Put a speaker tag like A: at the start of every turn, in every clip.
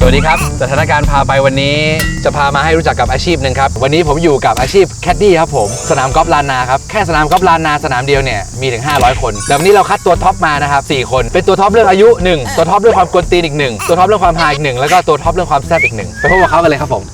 A: วัสดีครับสถานการณ์พาไปวันนี้จะพามาให้รู้จักกับอาชีพหนึ่งครับวันนี้ผมอยู่กับอาชีพแคดดี้ครับผมสนามกอล์ฟลานนาครับแค่สนามกอล์ฟลานนาสนามเดียวเนี่ยมีถึง500คนแต่วันนี้เราคัดตัวท็อปมานะครับ4คนเป็นตัวท็อปเรื่องอายุ1ตัวท็อปเรื่องความกวนตีนอีก1ตัวท็อปเรื่องความฮาอีก1แล้วก็ตัวท็อปเรื่องความแซ่บอีก1ไปพบกับเขากันเลยครับผม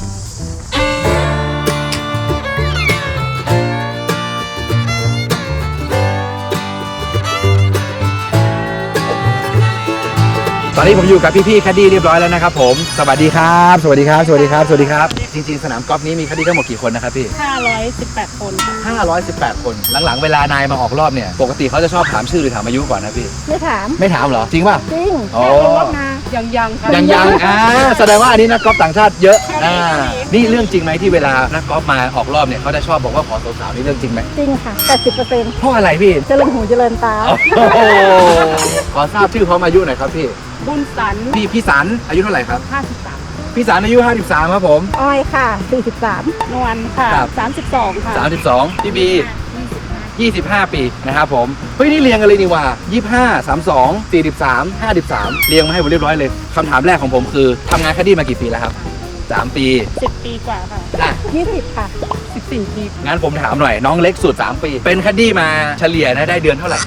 A: ตอนนี้ผมอยู่กับพี่ๆแคดดี้เรียบร้อยแล้วนะครับผมสวัสดีครับสวัสดีครับสวัสดีครับสวัสดีครับจริงๆสนามกอล์ฟนี้มีแคดดี้ทั้งหมดกี่คนนะครับพี่
B: 518 คน
A: 518 คนหลังๆเวลานายมาออกรอบเนี่ยปกติเขาจะชอบถามชื่อหรือถามอายุก่อนนะพี่
B: ไม่ถาม
A: เหรอจริงป่ะ
B: จริง
A: โอ้
B: ยัง
A: แสดงว่าอันนี้นักกอล์ฟต่างชาติเยอะนี่เรื่องจริงไหมที่เวลานักกอล์ฟมาออกรอบเนี่ยเขาจะชอบบอกว่าขอสาวๆนี่เรื่องจริงไหม
B: จริงค่ะ 80%
A: เพราะอะไรพี่
B: เจริญหูเจริญตา
A: ขอทราบชื่อพร้อมอายุหน่อยครับพี่
B: บุญสัน
A: พี่สันอายุเท่าไหร่ครับ
B: 53
A: พี่สันอายุ53ครับผม
B: อ้อยค่ะ43นวลค่ะ32ค่ะ
A: 32พี่บี25 ปีนะครับผมเฮ้ยนี่เรียงกันเลยนี่ว่า25 32 43 53เรียงมาให้ผมเรียบร้อยเลยคำถามแรกของผมคือทำงานแคดดี้มากี่ปีแล้วครับ3 ปี
B: 10 ปีกว่าค่ะ20ค่ะ14 ปี
A: งั้นผมถามหน่อยน้องเล็กสุด3 ปีเป็นแคดดี้มาเฉลี่ยนะได้เดือนเท่าไหร่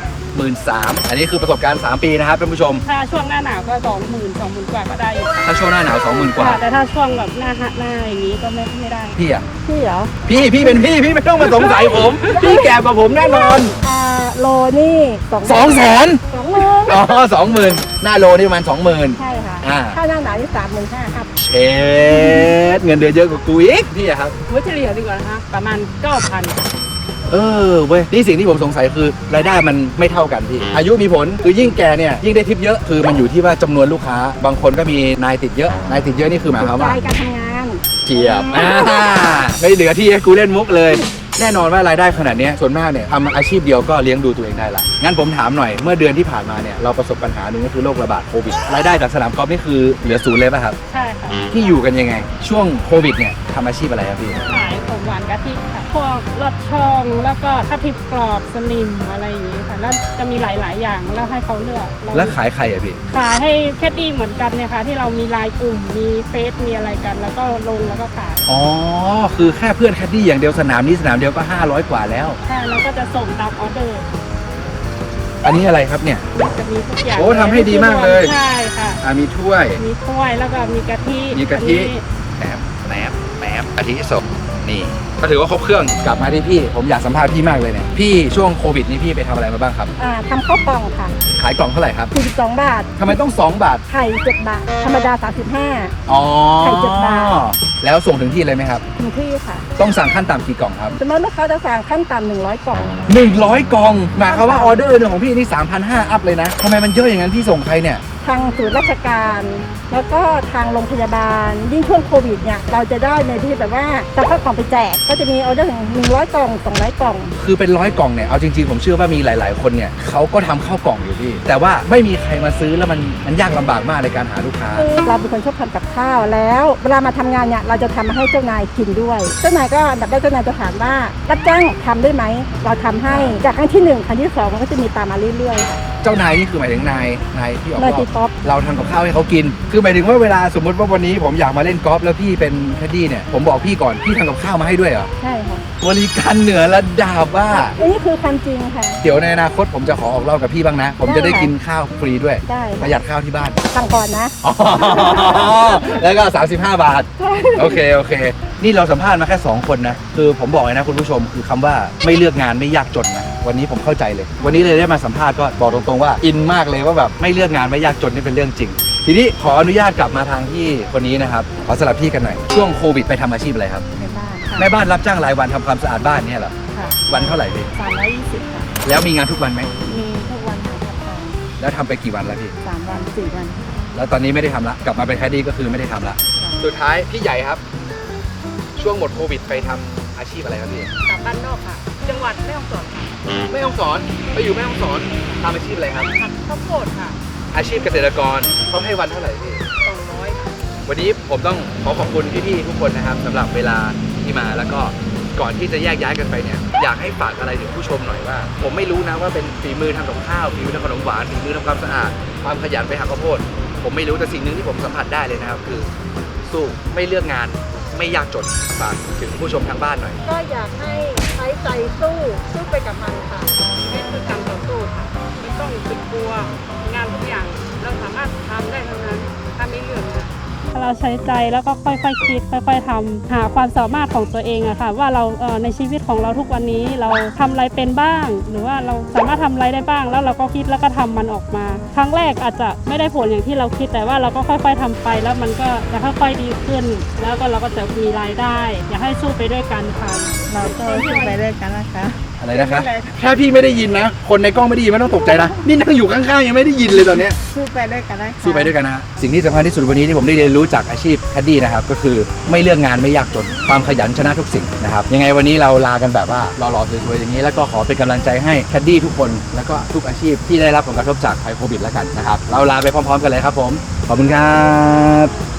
A: 13,000อันนี้คือประสบการณ์3 ปีนะครับท่านผู้ชม
B: ถ้าช่วงหน้าหนาวก็20,000กว่าก็ได้อยู่
A: ถ้าช่วงหน้าหนาว 20,000 กว่า
B: แต่ถ้าช่วงแบบหน้าอย่างนี้ก็ไม่ได้
A: พี่อะ
B: พี่เหรอ
A: พี่เป็นพี่ไม่ต้องมาสงสัยผมพี่แก่กว่าผมแน่นอน
B: โลนี่
A: 200,000
B: 20,000
A: อ๋อ 20,000หน้าโลนี่ประมาณ 20,000
B: ใช่ค่ะถ้าหน้าหนาวนี่35,000ครับ
A: เช็ดเงินเดือนเยอะกว่ากูอีกพี่อะครับ
B: เฉลี่ยดีกว่านะคะประมาณ 9,000
A: เว้ยนี่สิ่งที่ผมสงสัยคือรายได้มันไม่เท่ากันพี่อายุมีผลคือยิ่งแก่เนี่ยยิ่งได้ทิปเยอะคือมันอยู่ที่ว่าจำนวนลูกค้าบางคนก็มีนายติดเยอะนี่คือหมายความว่า
B: การทำงาน
A: เจียบไม่เหลือที่ให้กูเล่นมุกเลยแน่นอนว่ารายได้ขนาดนี้ส่วนมากเนี่ยทำอาชีพเดียวก็เลี้ยงดูตัวเองได้ละงั้นผมถามหน่อยเมื่อเดือนที่ผ่านมาเนี่ยเราประสบปัญหาหนึ่งก็คือโรคระบาดโควิดรายได้จากสนามกอล์ฟนี่คือเหลือ0เลยป่ะครับ
B: ใช่ค่ะ
A: ที่อยู่กันยังไงช่วงโควิดเนี่ยทำอาชีพอะไรครับพี่
B: ขายของหวานกะทิค่ะพวกลอดช่องแล้วก็ทับทิมกรอบสลิมอะไรอย่างนี้ค่ะแล้วจะมีหลายอย่างแล้วให้เขาเลือก
A: แล้วขายใครอะพี่
B: ขายให้แคดดี้เหมือนกันเนี่ยค่ะที่เรามีไลน์กลุ่มมีเฟซมีอะไรกันแล้วก็ลงแล้วก็ขาย
A: อ๋อคือแค่เพื่อนแคดดี้อย่างเดียวสนามนี้สนามเดียวก็500 กว่าแล้ว
B: ใช่แล้วก็จะส่งตามออเดอร์
A: อันนี้อะไรครับเนี่ย
B: จะมีทุกอย่าง
A: โอ้ทำให้ดีมากเลย
B: ใช่ค่ะ
A: มีถ้วย
B: แล้วก็มีกะทิ
A: แหนมกะทิสดนี่ก็ถือว่าครบเครื่องกลับมาที่พี่ผมอยากสัมภาษณ์พี่มากเลยเนี่ยพี่ช่วงโควิดนี้พี่ไปทำอะไรมาบ้างครับ
B: ทำข้าวกล่องค่ะ
A: ขายกล่องเท่าไหร่ครับ
B: 42 บาท
A: ทำไมต้อง2 บาท
B: ไข่7 บาทธรรมดา35
A: อ๋อ
B: ไข่7 บาท
A: แล้วส่งถึงที่เลยไหมครับ
B: ถึงที่ค่ะ
A: ต้องสั่งขั้นต่ำกี่กล่องครับ
B: สมมติลูกค้าจะสั่งขั้นต่ำ100 กล่อง
A: 100 กล่องหมายความว่าออเดอร์หนึ่งของพี่นี่ 3,500 อัพเลยนะทำไมมันเยอะอย่างนั้นพี่ส่งใครเนี่ย
B: ทางศูนย์ราชการแล้วก็ทางโรงพยาบาลยิ่งช่วงโควิดเนี่ยเราจะได้ในที่แบบว่าจะเข้ากล่องไปแจกก็จะมีออเดอร์ถึง100 กล่อง200 กล่อง
A: คือเป็น100 กล่องเนี่ยเอาจริงๆผมเชื่อว่ามีหลายๆคนเนี่ยเขาก็ทำข้าวกล่องอยู่พี่แต่ว่าไม่มีใครมาซื้อแล้วมันยากลำบากมากในการหาลูกค้า
B: เราเป็นคนชอบทำกับข้าวแล้วเวลามาทำงานเนี่ยเราจะทำมาให้เจ้านายกินด้วยเจ้านายก็แบบได้เจ้านายจะถามว่ารับจ้างทำได้ไหมเราทำให้จากครั้งที่1ครั้งที่2มันก็จะมีตามมาเรื่อยๆ
A: เจ้านายนี่คือหมายถึงนายที่ออก
B: กอล์ฟ
A: เราทำกับข้าวให้เขากินคือหมายถึงว่าเวลาสมมติว่าวันนี้ผมอยากมาเล่นกอล์ฟแล้วพี่เป็นแคดดี้เนี่ยผมบอกพี่ก่อนพี่ทำกับข้าวมาให้ด้วยเหรอ
B: ใช่ค่ะ
A: บริการเหนือระดับว่า
B: นี่คือความจริงค่ะ
A: เดี๋ยวในอนาคตผมจะขอออกรอบกับพี่บ้างนะผมจะได้กินข้าวฟรีด้วยประหยัดข้าวที่บ้าน
B: สั่งก่อนนะ
A: แล้วก็35 บาทโอเคนี่เราสัมภาษณ์มาแค่2 คนนะคือผมบอกเลยนะคุณผู้ชมคือคำว่าไม่เลือกงานไม่ยากจนนะวันนี้ผมเข้าใจเลยวันนี้เลยได้มาสัมภาษณ์ก็บอกตรงๆว่าอินมากเลยว่าแบบไม่เลือกงานไม่ยากจนนี่เป็นเรื่องจริงทีนี้ขออนุญาตกลับมาทางที่คนนี้นะครับขอสลับที่กันหน่อยช่วงโควิดไปทำอาชีพอะไรครับแม่บ้านรับจ้างรายวันทำความสะอาดบ้านเนี่ยเหรอวันเท่าไหร่พี่
B: 320ค่ะ
A: แล้วมีงานทุกวันไหม
B: มีทุกวันค่ะ
A: แล้วทำไปกี่วันแล้วพี่
B: 3 วัน 4 วัน
A: แล้วตอนนี้ไม่ได้ทำละกลับมาเป็นแคดดี้ก็คือไม่ได้ทำละสุดท้ายพี่ใหญ่ครับช่วงหมดโควิดไปทำอาชีพอะไรครับพี่
B: กลับบ้านนอกค่ะจังหวัดแม่ฮ่องสอนค่ะ
A: แม่ฮ่องสอนไปอยู่แม่ฮ่องสอนทำอาชีพอะไรครับ
B: ข้าวโพดค่ะ
A: อาชีพเกษตรกรเขาให้วันเท่าไหร่พี่
B: 200
A: วันนี้ผมต้องขอบคุณพี่ๆทุกคนนะครับสำหรับเวลาที่มาแล้วก็ก่อนที่จะแยกย้ายกันไปเนี่ยอยากให้ฝากอะไรถึงผู้ชมหน่อยว่าผมไม่รู้นะว่าเป็นฝีมือทำกับข้าวฝีมือทำขนมหวานฝีมือทำความสะอาดความขยันไปหาข้าวโพดผมไม่รู้แต่สิ่งหนึ่งที่ผมสัมผัสได้เลยนะครับคือสู้ไม่เลือกงานไม่ยากจนฝากถึงผู้ชมทางบ้านหน่อย
B: ก็อยากให้ใช้ใจสู้ไปกับมันค่ะ
C: ให้คือการต่อสู้ค่ะไม่ต้องคิดกลัวงานทุกอย่างเราสามารถทำได้ทั้งนั้นถ้าไม่เลือกค่ะ
D: ถ้าเราใช้ใจแล้วก็ค่อยๆคิดค่อยๆทำหาความสามารถของตัวเองอะค่ะว่าเราในชีวิตของเราทุกวันนี้เราทำอะไรเป็นบ้าง หรือว่าเราสามารถทำอะไรได้บ้าง แล้วเราก็คิดแล้วก็ทำมันออกมา ครั้งแรกอาจจะไม่ได้ผลอย่างที่เราคิดแต่ว่าเราก็ค่อยๆทำไป แล้วมันก็จะค่อยๆดีขึ้น แล้วก็เราก็จะมีรายได้ อยากให้สู้ไปด้วยกันค่ะ
E: เราก็สู้ไปด้วยกันนะคะ
A: อะไรนะคะแค่พี่ไม่ได้ยินนะคนในกล้องไม่ได้ยินไม่ต้องตกใจนะนี่นั่งอยู่ข้างๆยังไม่ได้ยินเลยตอนเนี้ย
E: สู้ไปด้วยกันนะคะ
A: สู้ไปด้วยกันนะฮะสิ่งที่สำคัญที่สุดวันนี้ที่ผมได้เรียนรู้จากอาชีพแคดดี้นะครับก็คือไม่เลือกงานไม่ยากจนความขยันชนะทุกสิ่งนะครับยังไงวันนี้เราลากันแบบว่าหล่อๆสวยๆอย่างนี้แล้วก็ขอเป็นกำลังใจให้แคดดี้ทุกคนแล้วก็ทุกอาชีพที่ได้รับผลกระทบจากภัยโควิดแล้วกันนะครับเราลาไปพร้อมๆกันเลยครับผมขอบคุณครับ